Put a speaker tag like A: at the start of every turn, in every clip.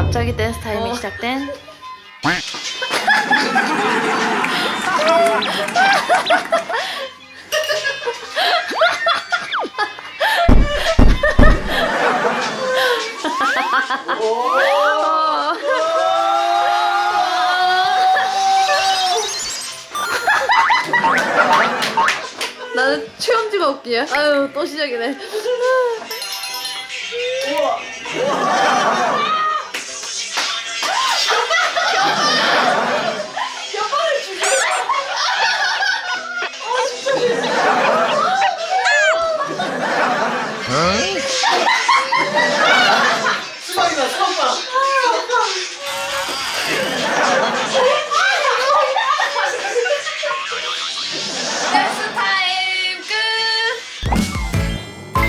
A: 갑자기 댄스 타임이 시작된. 나는 최엄지가 웃기야. 아유, 또 시작이네.
B: 수박이다, 수박.
A: 댄스 타임 끝.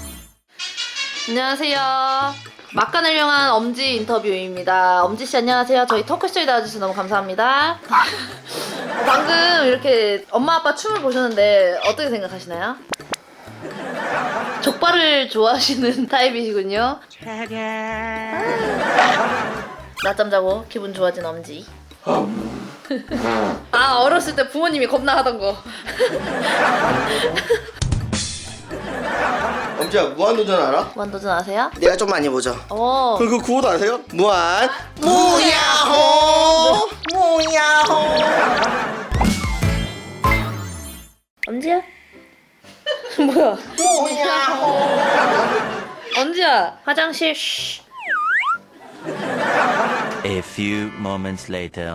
A: 안녕하세요. 막간을 향한 엄지 인터뷰입니다. 엄지 씨 안녕하세요. 저희 토크쇼에 나와주셔서 너무 감사합니다. 방금 이렇게 엄마 아빠 춤을 보셨는데 어떻게 생각하시나요? 족발을 좋아하시는 타입이시군요. 낮잠 자고 기분 좋아진 엄지. 아, 어렸을 때 부모님이 겁나 하던 거.
B: 엄지야, 무한도전 알아?
A: 무한도전 아세요?
B: 내가 좀 많이 보죠.
A: 어.
B: 그 구호도 아세요? 무야호 무야호.
A: 엄지야? 뭐야?
B: 무야호.
A: 엄지야, 화장실. 쉬.
C: A few moments later.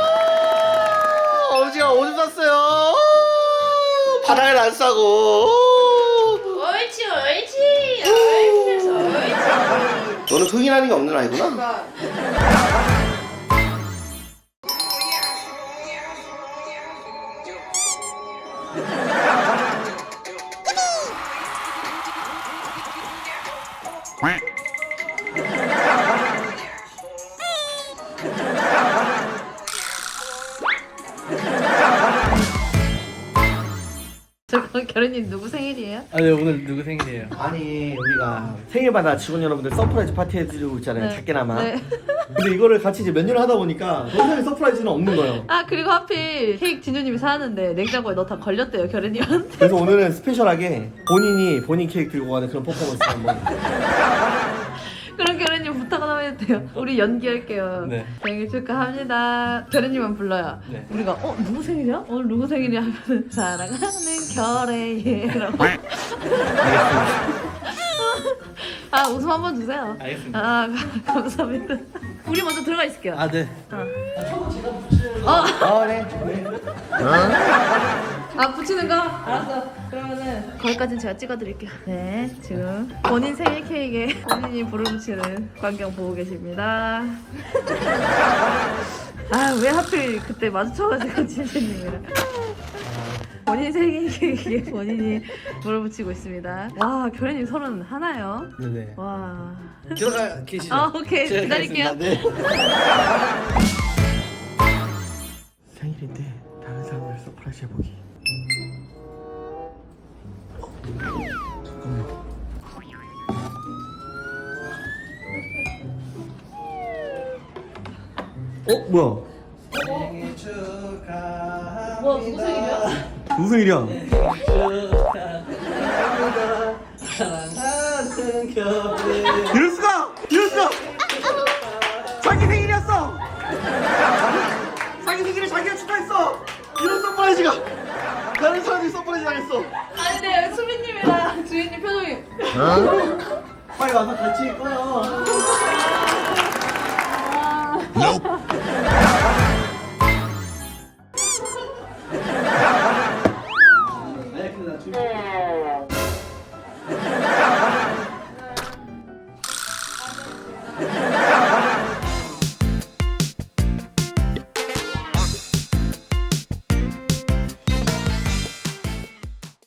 B: 엄지가 오줌 쌌어요. 바닥에 안 싸고.
A: 옳지, 옳지. 옳지, 옳지.
B: 너는 흥이라는 게 없는 아이구나.
A: 잠깐, 결혼님 누구 생일이에요?
D: 아, 네, 오늘 누구 생일이에요?
B: 아니, 우리가 생일마다 직원 여러분들 서프라이즈 파티 해드리고 있잖아요.
A: 네.
B: 작게나마.
A: 네.
B: 근데 이거를 같이 이제 몇 년을 하다 보니까 더 이상 서프라이즈는 없는 거예요.
A: 아, 그리고 하필 케이크 진우님이 사왔는데 냉장고에 넣다 걸렸대요, 결혼님한테.
B: 그래서 오늘은 스페셜하게 본인 케이크 들고 가는 그런 퍼포먼스 한번.
A: 그럼 결혼님 부탁 하나 해도 돼요? 우리 연기할게요.
D: 네.
A: 생일 축하합니다. 결혼님만 불러요.
D: 네.
A: 우리가 누구 생일이야? 오늘 누구 생일이야? 하면은 사랑하는 결애예라고. 아, 웃음 한번 주세요.
D: 알겠습니다.
A: 아, 감사합니다. 우리 먼저 들어가 있을게요.
D: 아, 네.
B: 네.
A: 아, 붙이는 거? 알았어. 그러면은 거기까지는 제가 찍어드릴게요. 네, 지금 본인 생일 케이크에 본인이 불을 붙이는 광경 보고 계십니다. 아, 왜 하필 그때 마주쳐가지고 진주님이랑. 본인 생일 케이크에 본인이 불을 붙이고 있습니다. 와, 결혼님 31요?
D: 네네.
A: 와.
D: 들어가 계시죠?
A: 아, 오케이.
D: 제가
A: 기다릴게요.
D: 가겠습니다. 네.
B: 생일인데 다른 사람을 서프라이즈 해보기. 잠깐만. 뭐야?
D: 생일 축하합니다.
A: 뭐, 누구 생일이야?
B: 누구 생일이야?
D: 축하합니다. 사랑하는 결혼.
B: 이럴 수가! 자기 생일이었어! 자기 생일을 자기가 축하했어! 이런 서프라이즈가! 다른 사람들이 서프라이즈 당했어!
A: 아니, 네, 수빈님이랑 주인님 표정이.
B: 빨리 와서 같이 꺼요!